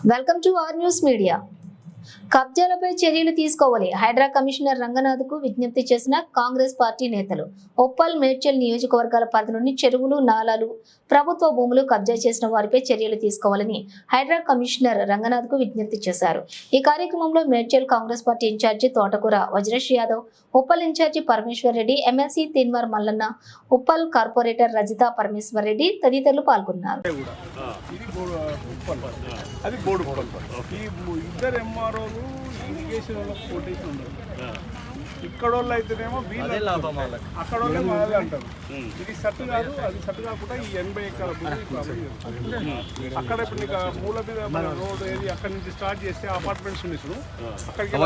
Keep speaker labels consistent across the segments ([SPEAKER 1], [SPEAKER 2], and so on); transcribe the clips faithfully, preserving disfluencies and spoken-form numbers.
[SPEAKER 1] Welcome to R news media. కబ్జాలపై చర్యలు తీసుకోవాలి హైడ్రా కమిషనర్ రంగనాథ్కు విజ్ఞప్తి చేసిన కాంగ్రెస్ పార్టీ నేతలు. ఉప్పల్ మేడ్చల్ నియోజకవర్గాల పరిధిలోని చెరువులు నాలాలు ప్రభుత్వ భూములు కబ్జా చేసిన వారిపై చర్యలు తీసుకోవాలని హైడ్రా కమిషనర్ రంగనాథ్కు విజ్ఞప్తి చేశారు. ఈ కార్యక్రమంలో Medchal Congress party incharge Thotakura Vajresh Yadav, Uppal incharge Parameshwar Reddy, MLC Teenmar Mallanna, Uppal corporator Rajitha Parameshwar Reddy తదితరులు పాల్గొన్నారు.
[SPEAKER 2] అది బోర్డు ఈ ఇద్దరు ఎంఆర్ఓలు ఇరిగేషన్ వాళ్ళకి కొటేషన్ ఉండదు. ఇక్కడ వాళ్ళు అయితేనేమో వీళ్ళే లాభం, అక్కడ వాళ్ళే వాళ్ళే అంటారు. ఇది సట్టు కాదు, అది సట్టు కాకుండా ఈ ఎనభై ఎకరాల అక్కడ ఇప్పుడు నీకు మూల మీద మన రోడ్ ఏది అక్కడ నుంచి స్టార్ట్ చేస్తే అపార్ట్మెంట్స్ ఉన్నాయి చూడు, అక్కడికి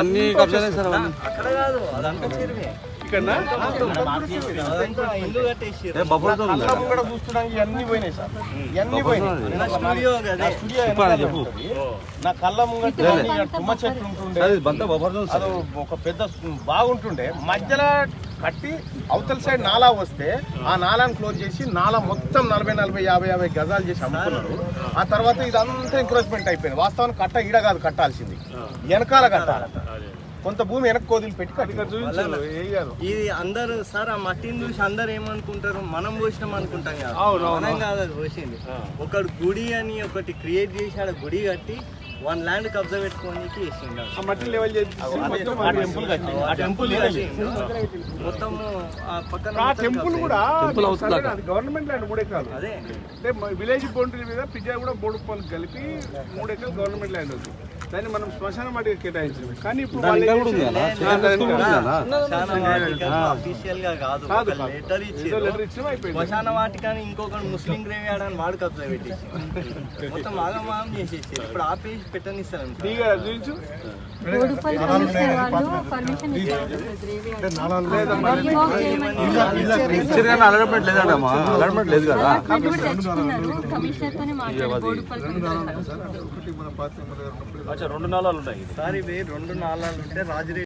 [SPEAKER 2] ఇక్కడ చూస్తున్నాం ఇవన్నీ పోయినాయి సార్, ఇవన్నీ పోయినాయి. నా కళ్ళ ముంగట తుమ్మ చెట్లు ఉంటుండే, అది ఒక పెద్ద బాగుంటుండే, మధ్యలో కట్టి అవతల సైడ్ నాలా వస్తే ఆ నాలాను క్లోజ్ చేసి నాలా మొత్తం నలభై నలభై యాభై యాభై గజాలు చేసి అమ్ముకున్నారు. ఆ తర్వాత ఇదంతా ఎంక్రోచ్మెంట్ అయిపోయింది. వాస్తవానికి కట్ట ఈడ కాదు కట్టాల్సింది, వెనకాల కట్టాలి. కొంత భూమి వెనక్కి కోదిలు పెట్టి
[SPEAKER 3] ఇది అందరు సార్ ఆ మట్టిని చూసి అందరు ఏమనుకుంటారు, మనం పోసినాం అనుకుంటాం కదా, మనం కాదు అది పోసింది. ఒకటి గుడి అని ఒకటి క్రియేట్ చేసి ఆడ గుడి కట్టి వన్ ల్యాండ్ కబ్జా పెట్టుకోనికి
[SPEAKER 2] మట్టి లెవెల్
[SPEAKER 3] మొత్తం పక్కన
[SPEAKER 2] టెంపుల్ కూడా గవర్నమెంట్ ల్యాండ్ మూడు ఎకరాలు.
[SPEAKER 3] అదే
[SPEAKER 2] అంటే విలేజ్ బౌండరీ మీద పిజ్జా కూడా బోర్డు పనులు కలిపి మూడు ఎకరాలు గవర్నమెంట్ ల్యాండ్ ఉంది. దాన్ని మనం శ్మశాన వాటికి కేటాయించాము. కానీ ఇప్పుడు
[SPEAKER 3] అఫీషియల్ గా కాదు, లెటర్ ఇచ్చి శ్మశాన వాటికని ఇంకొక ముస్లిం గ్రేవ్ యార్డ్ అని వాడు కబ్జా పెట్టేసి మొత్తం ఆగమాగం చేసేసి ఇప్పుడు ఆపేసి పెట్టనిస్తారు.
[SPEAKER 2] రెండు నాళాలు ఉన్నాయి
[SPEAKER 3] సార్, ఇవి రెండు నాళాలు ఉంటే రాజు